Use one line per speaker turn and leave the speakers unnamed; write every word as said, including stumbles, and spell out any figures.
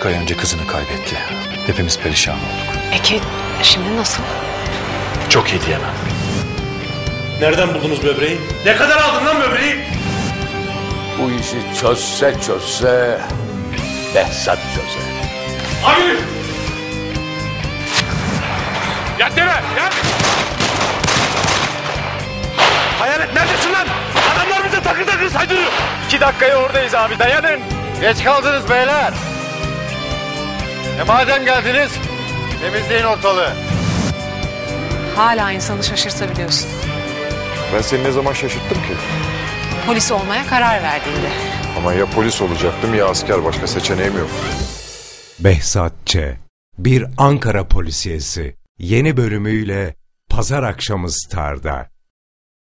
buçuk ay önce kızını kaybetti. Hepimiz perişan olduk.
Peki şimdi nasıl?
Çok iyi diyemem.
Nereden buldunuz böbreği? Ne kadar aldın lan böbreği?
Bu işi çözse çözse Behzat çözer.
Abi! Yat yere! Yat! Hayalet neredesin lan? Adamlar bize takır takır saydırıyor.
İki dakikaya oradayız abi, dayanın. Geç kaldınız beyler. E madem geldiniz, temizleyin ortalığı.
Hala insanı şaşırtabiliyorsun.
Ben seni ne zaman şaşırttım ki?
Polis olmaya karar verdiğinde.
Ama ya polis olacaktım ya asker, başka seçeneğim yok.
Behzat Ç. Bir Ankara polisiyesi. Yeni bölümüyle pazar akşamı Star'da.